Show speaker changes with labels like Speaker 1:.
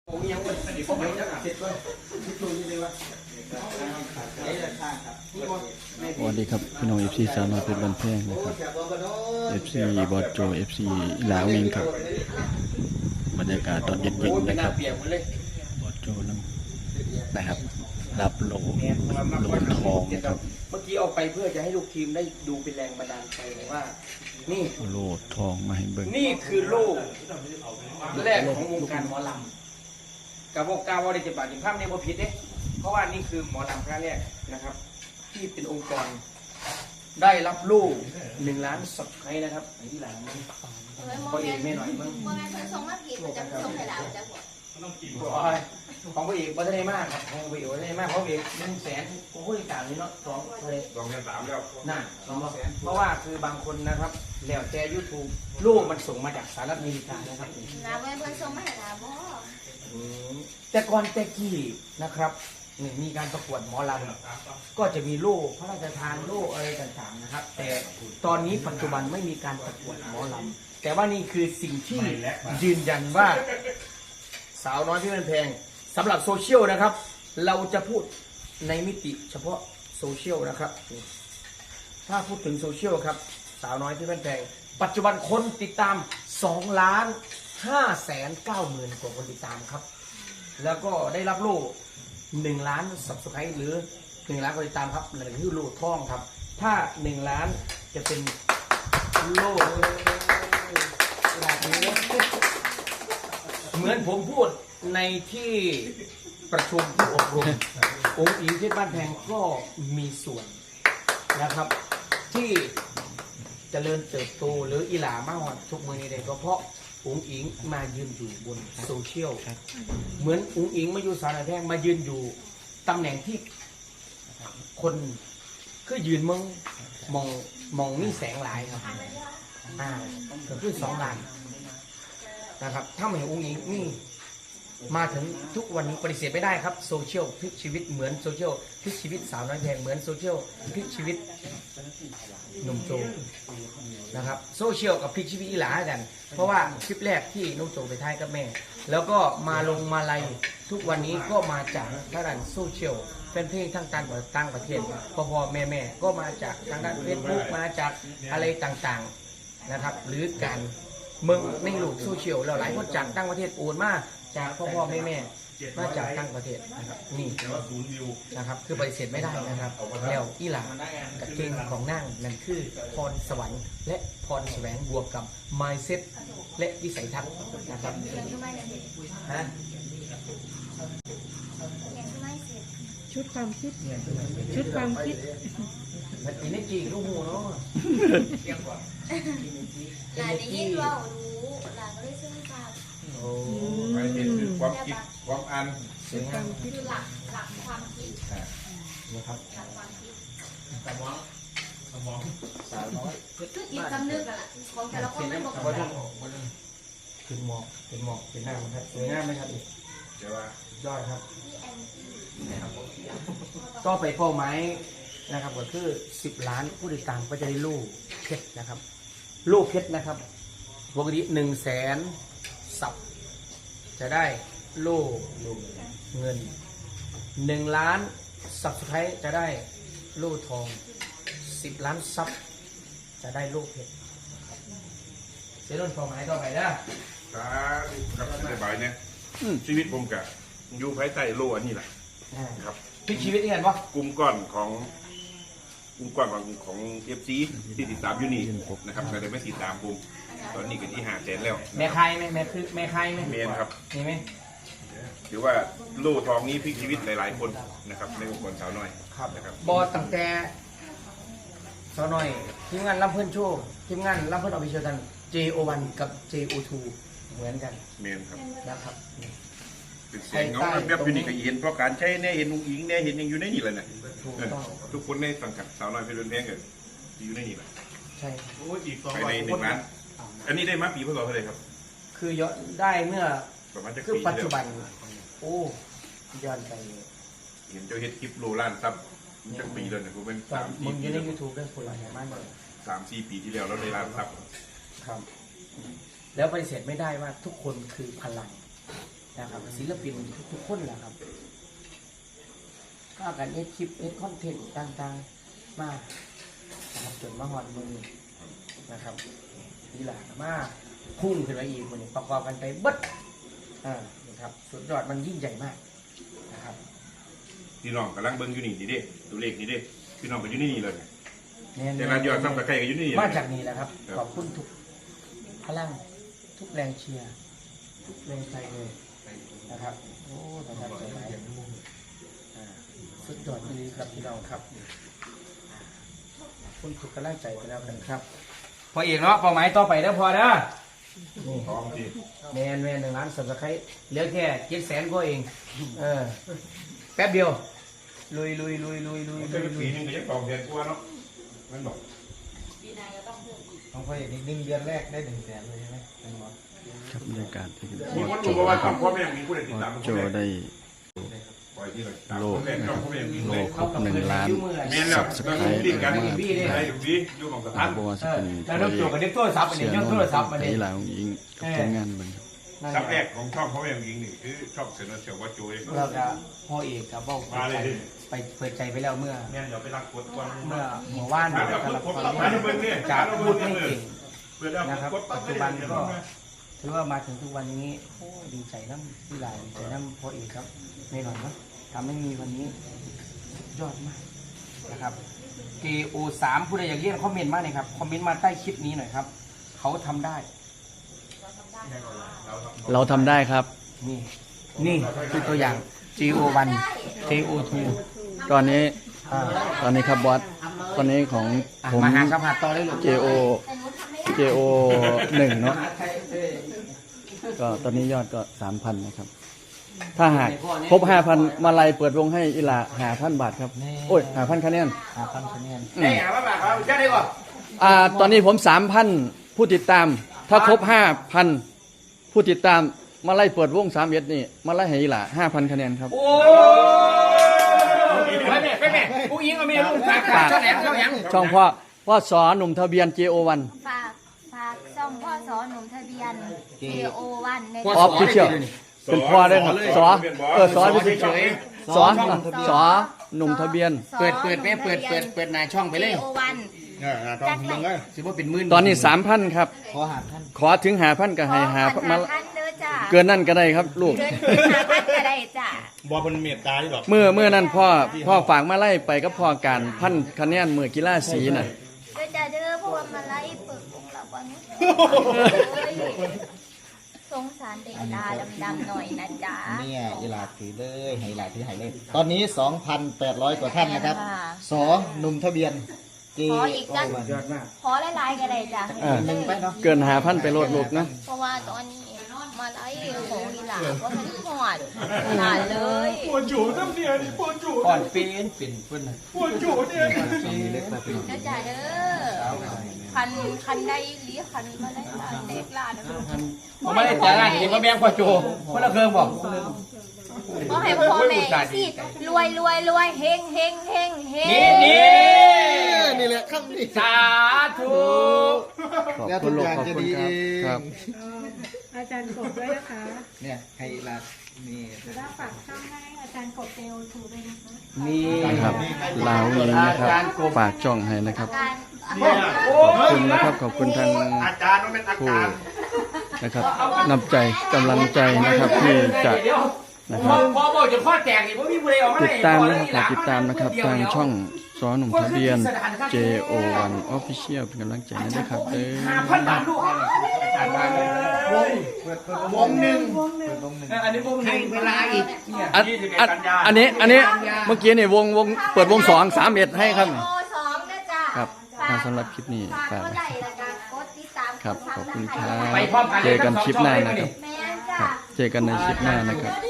Speaker 1: ยังเป็นอดีตผมยังเสร็จด้วยคิดดูนี่เลยว่า
Speaker 2: สวัสดีครับพี่น้อง FC สาวน้อยเพชรบ้านแพงนะครับ FC บอสโจ FC ลาวเองครับบรรยากาศตอนเย็นๆนะครับบอสโจนะครับรับโหลทองนะครับ
Speaker 1: เมื่อกี้เอาไปเพื่อจะให้ลูกทีมได้ดูเป็นแรงบันดาลใจว่านี่
Speaker 2: โหลทองมาให้เบิ่ง
Speaker 1: นี่คือโลกแรกของวงการหมอลำกับวงการวอลเลย์บอลภาพในโมผิดเด้เพราะว่านี่คือหมอลำครั้งแรกนะครับ ที่เป็นองค์กรได้รับลูก1 ล้านสับไครนะครับไอ้ที่หลังนี่พอเอกไม่หน่อยมั้ง
Speaker 3: โมเมนต์ส่งมาผิดมันจะส่งให้เราจะหัว
Speaker 1: ของพระเอกวัฒนมากครับของพระเอกวัฒนมากเพราะพระเอก100,000ผมพูดอีกต่างนี้เนาะ2 เลย
Speaker 4: 2,300แล้ว
Speaker 1: น่ะเพราะว่าคือบางคนนะครับแล้วแต่ YouTube ลูกมันส่งมาจากสหรัฐอเมริกานะครับ
Speaker 3: นะเพื่อนส่งมาให้เราบ่
Speaker 1: แต่ก่อนแต่กี้นะครับนี่มีการประกวดหมอลำก็จะมีโล่พระราชทานโล่อะไรต่างๆนะครับ แต่ตอนนี้ปัจจุบันไม่มีการประกวดหมอลำแต่ว่านี่คือสิ่งที่ยืนยันว่าสาวน้อยที่เป็นแพงสำหรับโซเชียลนะครับ เราจะพูดในมิติเฉพาะโซเชียลนะครับถ้าพูดถึงโซเชียลครับสาวน้อยที่เป็นแพงปัจจุบันคนติดตาม2,590,000 กว่าคนติดตามครับแล้วก็ได้รับโล่1 ล้านสับสไครต์หรือ1 ล้านคนติดตามครับนั่นคือโล่ทองครับถ้า1 ล้านจะเป็นโล่แบบนี้เหมือนผมพูดในที่ประชุมที่อบรมองค์อิงที่บ้านแพงก็มีส่วนนะครับที่เจริญเติบโตหรืออีหลามากกว่าทุกมือนี้เลยก็เพราะองค์อิงมายืนอยู่บนโซเชียลเหมือนองค์อิงมาอยู่สารแพงมายืนอยู่ตำแหน่งที่คนคือยืนมองนี่แสงหลายครับก็คือ2 ล้านนะครับถ้าไม่องค์อิงนี่มาถึงทุกวันนี้ปฏิเสธไม่ได้ครับโซเชียลพลิกชีวิตเหมือนโซเชียลพลิกชีวิตสาวน้อยแพงเหมือนโซเชียลพลิกชีวิตหนุ่มโจนะครับโซเชียลกับพลิกชีวิตอีหลากันเพราะว่าคลิปแรกที่นุ่มโจไปท้ายกับแม่แล้วก็มาลงมาลัยทุกวันนี้ก็มาจากทางด้านโซเชียลเป็นเพลงทั้งต่างประเทศพ่อแม่ก็มาจากทางด้านเฟซบุ๊กมาจากอะไรต่างๆนะครับหรือการเมืองในโลกโซเชียลเราหลายคนจากต่างประเทศโอนมาจากพ่อแม่มาจากต่างประเทศนะครับนี่นะครับคือปฏิเสธไม่ได้นะครับแล้วอีหลากับเก่งของนั่งนั่นคือพรสวรรค์และพรแสวงบวกกับ mindset และวิสัยทัศน์นะครับ
Speaker 3: เรียนทำไมเนี่ย
Speaker 1: ฮะ
Speaker 3: เรียนทำไมเสร็จ
Speaker 5: ชุดความคิดชุดความคิด
Speaker 1: มันอินเนจีลูกหูเนาะ
Speaker 3: หลานได้ยินว่ารู้หลานก็ได้ซึ่งทราบ
Speaker 1: โอ้
Speaker 4: ไปเห็นคือความคิดความอ่าน
Speaker 1: สวยงาม
Speaker 3: คือหลักความคิด
Speaker 1: นะครับ
Speaker 3: หลักความคิด
Speaker 1: สาวน้อย
Speaker 3: คือจิตสำนึกอะล่ะของแต่ละคนไม่บอก
Speaker 1: บอลขึ้นหมอกเป็นหน้ามันครับสวยงามไหมครับอีก
Speaker 4: แต่ว่าย
Speaker 1: อดครับ
Speaker 3: ที่แอนตี้
Speaker 1: ก็ไปเป้าหมายนะครับก็คือ10 ล้านผู้ติดตามก็จะได้ลูกเพชรนะครับลูกเพชรนะครับปกติ100,000 สับจะได้ลูกเงิน1 ล้านสับสุดท้ายจะได้ลูกทอง10 ล้านซับจะได้ลูกเพชรเสียรุ่นเป้าหมายต่อไปนะ
Speaker 4: ถ้ากับสบายเนี่ยชีวิตผมกับอยู่ภายใต้โลอันนี้แหละครับ
Speaker 1: พลิกชีวิตนี่เห็นปะ
Speaker 4: กลุ่มก้อนของเอฟซีที่ติดตามอยู่นี่นะครับก็ได้ไม่ติดตามผมตอนนี้ก็ที่500,000แล้ว
Speaker 1: แม่ใครไหมแม่คือแม่ใครไหม
Speaker 4: เมนครับ
Speaker 1: นี่ไหม
Speaker 4: ถือว่าโลทองนี้พลิกชีวิตหลายๆคนนะครับในองค์กรสาวน้อยนะครับ
Speaker 1: บอตั้งแต่สาวน้อยทีมงานรับเพื่อนโชว์ทีมงานรับเพื่อนออฟฟิเชียลกัน JO1 กับ JO2 เหมือนกัน
Speaker 4: เมนครับ
Speaker 1: นะครับ
Speaker 4: เป็นเสียงเงาแบบอยู่นี่ก็เห็นเพราะการใช้เนี่ยเห็นอุ้งอิงเนี่ยเห็นยังอยู่ในนี่เลยนะ
Speaker 1: ถูกต้อง
Speaker 4: ทุกคนในสังกัดสาวน้อยเพชรบุญแพงก็อยู่ในนี่แหละ
Speaker 1: ใช่
Speaker 4: ภายใน1 ล้าน อันนี้ได้มาปีพศเท่าไหร่ครับ
Speaker 1: คือยอดได้เมื่อ
Speaker 4: ประมาณจะ
Speaker 1: คือ
Speaker 4: ปี
Speaker 1: ปัจ
Speaker 4: ที่
Speaker 1: จุ
Speaker 4: แล้ว
Speaker 1: บันโอ้ย้อนไป
Speaker 4: เห็นเจ้าเฮ็ดคลิปโลล้านซับจักปีแล้วเนี่ยผมเป็น
Speaker 1: ตอนมึงอยู่ใน
Speaker 4: 3-4
Speaker 1: YouTube ได้คนละอย่างมากเลย
Speaker 4: ปีที่แล้วได้ล้านซับ
Speaker 1: ครับ แล้วปฏิเสธไม่ได้ว่าทุกคนคือพลังนะครับศิลปินทุกคนแหละครับก็กันเอ็ดคลิปเอ็ดคอนเทนต์ต่างๆมานะครับจนมาฮอดมือนะครับนี่แหละมาพุ่งขึ้นไปอีกคนนี้ประกอบกันไปเบิดนะครับสุดยอดมันยิ่งใหญ่มากนะครับ
Speaker 4: พี่น้องกำลังเบิ่งอยู่นี่ดิตัวเลขนี่ดิพี่น้องก็อยู่นี่เลย
Speaker 1: เนี่ย
Speaker 4: แต่ละยอดซับสไครต์ก็อยู่นี่
Speaker 1: มาจากนี้แหละครับขอบคุณทุกพลังทุกแรงเชียร์ทุกแรงใจเลยนะครับโอ้ประทับใจหลายสุดยอดเลยครับพี่น้องครับขอบคุณทุกกำลังใจไปแล้วกันครับพออีกเนาะเป้าหมายต่อไปแล้วพอนะ
Speaker 4: พร้อมสิ
Speaker 1: แมน1 ล้านสับสไครต์เหลือแค่700,000ก็เองแป๊บเดียวลุย
Speaker 4: ก็เป็นปีนึงก็ยัง2 เดือนกว่าเนาะมันบอก
Speaker 6: ของพ่อเอกนี่1 เดือนแรกได้100,000เลยใช่ไหมเป็นหมอ
Speaker 2: ครับบรรยากาศที่
Speaker 4: มี
Speaker 2: บอ
Speaker 4: ค
Speaker 2: ส
Speaker 4: น
Speaker 2: โจ
Speaker 4: รู้ว่า
Speaker 2: นะครับ
Speaker 4: พ่อแม่มีผู้ใดติด
Speaker 2: บอ
Speaker 4: ตาม
Speaker 2: ส
Speaker 4: พ่
Speaker 2: โจ
Speaker 4: อแม่
Speaker 2: ได้
Speaker 4: ปล่อยที่เลย
Speaker 2: โลก
Speaker 4: นะครับพ่อแม่มี
Speaker 2: โล
Speaker 4: เลย
Speaker 2: ครบ1 ล้าน
Speaker 4: แม่นแล้ว
Speaker 2: สับส
Speaker 4: เรา
Speaker 2: ไคร
Speaker 4: อยู่
Speaker 2: ต์
Speaker 4: ดีกัน
Speaker 2: มาก
Speaker 4: ไอ้วีอยู่ของสถาน
Speaker 2: บอกว่าจะเป็น
Speaker 1: แล้วน้องโจกับเด็กโทรศัพท์อัน
Speaker 2: เสี
Speaker 1: นี้
Speaker 2: ย
Speaker 1: ยัง
Speaker 2: โน
Speaker 1: โทรศัพท์
Speaker 2: น
Speaker 1: อัน
Speaker 2: ไท
Speaker 1: นี้
Speaker 2: ยลาวยิงกับผลงานเบิ่งครับ
Speaker 4: ซับแรกของช่องพ่อแม่ยิงนี่คือช่องเสนอเสียวว่าโจย
Speaker 1: เราจะพ่อเอกกับบอก
Speaker 4: มาเลยดิ
Speaker 1: ไปเปิดใจไปแล้วเมื่อ
Speaker 4: แม่นเดี๋ยวไปรักกดก่อน
Speaker 1: เมื่อว่าน
Speaker 4: มาเดี๋ยว
Speaker 1: กำลัง
Speaker 4: กด
Speaker 1: ฟัง
Speaker 4: มาเดี๋ยวเบิ่งนี่
Speaker 1: จากพูดไม่เก่ง
Speaker 4: เพื่อแล้ว
Speaker 1: นะครับ
Speaker 4: กดปั๊
Speaker 1: ปั
Speaker 4: บ
Speaker 1: จจุบันก็ถือว่ามาถึงทุกวันนี้โอ้ดีใจน้ำที่หลายดีใจน้ำพ่อเอกครับในหน่อยเนาะทำให้มีวันนี้ยอดมากนะครับ KO3 ผู้ใดอยากเรียนคอมเมนต์มาหน่อยครับคอมเมนต์มาใต้คลิปนี้หน่อยครับเขาทำได้
Speaker 2: เราทำได้ครับ
Speaker 1: นี่คือตัวอย่าง GO1 KO2
Speaker 2: ตอนนี้
Speaker 1: อ่า
Speaker 2: ตอนนี้ครับบอสตอนนี้ของผม
Speaker 1: มาหาสัมผัสต่อได้เลย
Speaker 2: JO 1เนาะก็ตอนนี้ยอดก็ 3,000 นะครับ ถ้าหากครบ 5,000 มาลัยเปิดวงให้อีหลา5,000 บาทครับ โอ้ย 5,000 คะแนน
Speaker 1: 5,000คะแนน
Speaker 2: อืม
Speaker 1: เฮ้ยหาว่าแบบเขาจะได้ก่อน
Speaker 2: ตอนนี้ผม 3,000 ผู้ติดตาม ถ้าครบ 5,000 ผู้ติดตามมาไล่เปิดวง31นี่มาไล่ให้อีหลา5,000 คะแนนครับ
Speaker 1: โอ้ไปแม่ผู้หญิงเอาเมียลูกฝากเจ้าแหลมเจ้าแหลม
Speaker 2: ช่องพ่อสอหนุ่มทะเบียน JO1
Speaker 3: ฝากซ่อมพ่อสอหนุ่มทะเบียน KO1 ใน
Speaker 2: ออฟฟิเชียลเป็นพ่อได้ครับสอเป็นเฉยสอหนุ่มทะเบียน
Speaker 1: เปิดหน้าช่องไปเลย
Speaker 3: KO1
Speaker 6: ต้องมึงก็
Speaker 1: ถือว่าเป็นหมื่น
Speaker 2: ตอนนี้ 3,000 ครับ
Speaker 6: ขอหาท่าน
Speaker 2: ขอถึง5,000ก็ให้หามา
Speaker 3: ท่านเด้อจ้า
Speaker 2: เกินนั่นก็ได้ครับลูก
Speaker 3: เกิน5,000ก็ได้จ้า
Speaker 6: บอเป็นเมตตาที่หรอก
Speaker 2: เมื่อนั้นพ่อฝากมาไล่ไปก็พ่อการพันคะแนนมือกีฬาสีน่ะ
Speaker 3: เด้อจ้าเด้อเพราะว่ามาไล่เปิดวงเราวันนี้สงสารเด็กตาดำๆหน่อยนะจ๊ะ
Speaker 6: เนี่ยอีหลาถือเลยให้อีหลาถือให้เลย ตอนนี้ 2,800 กว่าท่านนะครับสอหนุ่มทะเบียน
Speaker 3: ขออีกจ้ะ
Speaker 1: ยอดมาก
Speaker 3: ขอหลายๆก็ได้จ้ะ
Speaker 6: หนึ่งไปเนาะ
Speaker 2: เกิน5,000ไปโลดลูกนะ
Speaker 3: เพราะว่าตอนนี้มาไล่ของอีหลาว่ามันหอดหลานเลย
Speaker 4: ปวดจูน้ำเนี่ยนี่ปวดจู
Speaker 1: ก่อนเป็นเพื่อน
Speaker 4: ปวดจูเนี่ย
Speaker 6: เล็กแบบนี้
Speaker 3: เด้อจ้าเด้อคันได้ลีคันมาไล่หลานเด็กหลานนะ
Speaker 1: ผมไม่ได้จ่ายงานเห็นว่าแบงค์กว่าโจคนละเครื่องบอก
Speaker 3: ก็ให้พ่อแม่สิรวยเฮงเฮงเฮงเฮง
Speaker 6: นี่แหละคำนี้
Speaker 1: สาธุ
Speaker 2: ขอบคุณลูกขอบคุณครับ
Speaker 5: อาจารย์กบด้วยนะคะ
Speaker 6: เนี่ยให้อีหลานี่
Speaker 5: แล้วฝากช่องให้อาจารย์กบเจโอทูด้วยนะคะ
Speaker 1: นี่
Speaker 2: นะครับลาวเองนะครับฝากช่องให้นะครับ
Speaker 3: การ
Speaker 2: ขอบคุณนะครับขอบคุณทาง
Speaker 4: อาจารย์มันเป็นอา
Speaker 2: ผู้
Speaker 4: จารย์
Speaker 2: นะครับนำใจกำลังใจนะครับที่จะนะครับ
Speaker 1: พอบอกจะข้อแตกนี่พวกพี่บุเรออกมา
Speaker 2: ติดตามนะครับฝากติดตามนะครับทางช่องสอหนุ่มทะเบียน JO1 Official เป็นกำลังใจให้ด้วยครับเด้อ
Speaker 1: 5,000 บาทลูกวงหนึ่งอันนี้วงหนึ่งเวลาอีก
Speaker 2: อันนี้เมื่อกี้นี่วงเปิดวง2-3-1ให้ครับ
Speaker 3: โอสองนะจ้า
Speaker 2: ครับสำหรับคลิปนี้
Speaker 3: ฝาก
Speaker 2: ฝาก
Speaker 3: กดไลค์และการกดติดตาม
Speaker 2: ครับขอบคุณครั
Speaker 1: ไป
Speaker 2: บ
Speaker 1: พร้อมกัน
Speaker 2: เจอกันคลิปหน้านะครับ
Speaker 3: แม่นจ้า
Speaker 2: ครับเจอกันในคลิปหน้านะครับ